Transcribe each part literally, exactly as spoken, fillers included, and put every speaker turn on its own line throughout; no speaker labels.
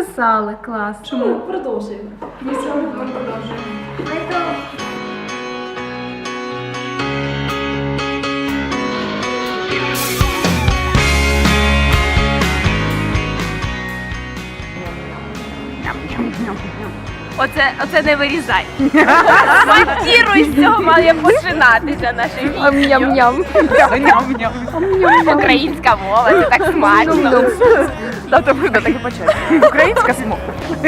записали, клас.
Чому? Продовжуємо.
Ми сьогодні продовжуємо.
Оце, оце не вирізай. Монтіруй, з цього має починатися наше відео.
Ням-ням.
Українська мова, це так смачно.
Да, то буде так і почати. Українська смова.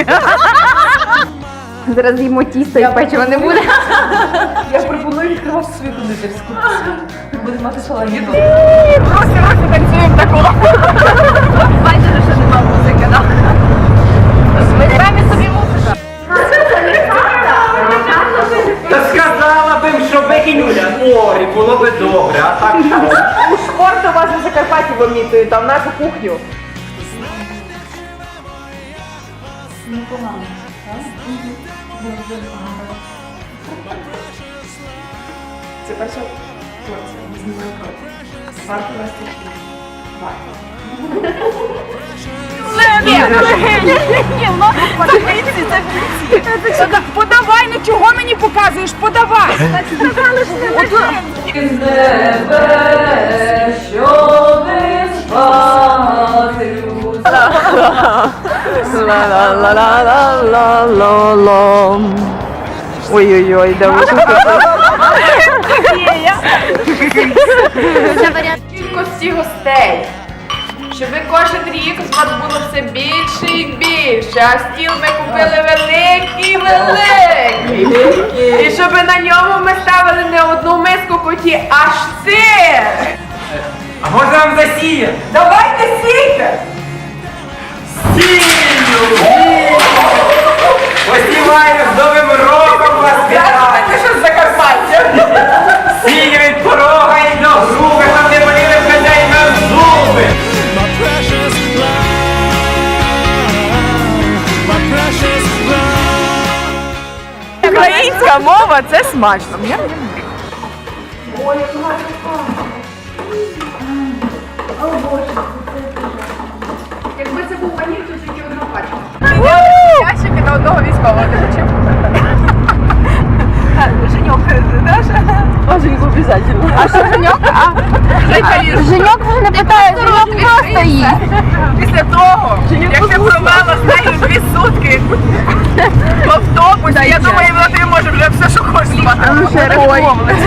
Зараз їмо тісто і печива не буде.
Я пропоную відкривати свою кондитерську. Будемо мати шалені.
Просто просто танцюємо такого. Бачите, що нема музики, так? Ми самі собі музика.
Та сказала б, що викинуля морі, було би добре, а так що?
У шпорт у вас на Закарпатті вимітують, там нашу кухню.
Непогано, так? Дуже багато.
Це перша порція, ми знімаємо проти. Варто вести хліб. Варто. Подавай, ну чого мені показуєш? Подавай! Сказали, що не із небе, що ви спати. Ла-ла-ла-ла-ла-ла-ла. Ой-ой-ой, да ви кількості гостей. Щоб кожен рік з вас було все більше і більше, а стіл ми купили великий, великий. І щоб на ньому ми ставили не одну миску коті, аж сир.
А можна вам засіяти?
Давайте сійте!
Сію! Посіваю з Новим роком вас вітаю!
Ти що з Закарпаття?
Сію від порога і до груби, щоб не боліли хазяїна зуби!
My precious love, my precious love.
Українська мова – це смачно.
Якби це був ваніль, то тільки одна пачка.
Ящики на одного військового не хочу. Женьок, Даша? А, Женьок обов'язково. А що Женьок?
Женьок вже не питає, Женьок просто їсть.
Після того, як ти провела з нею дві сутки в автобусі, я думаю, вона тобі може вже все, що хочеш спати.
А ну ще рахуй.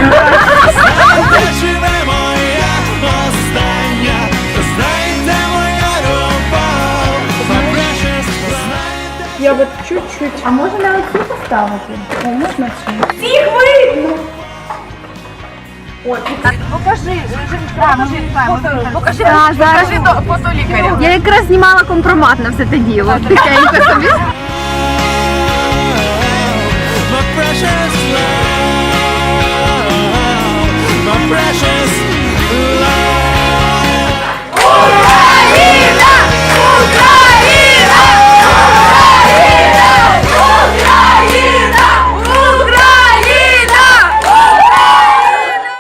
Живе моя остання, знайте моя любов, my precious love.
Я от чуть-чуть. А може на оці поставити? О, можна чи?
Всіх видно! Ой, покажи, покажи, покажи,
А, зараз.
покажи до фото лікаря.
Я якраз знімала компромат на все те діло. Тихенько собі.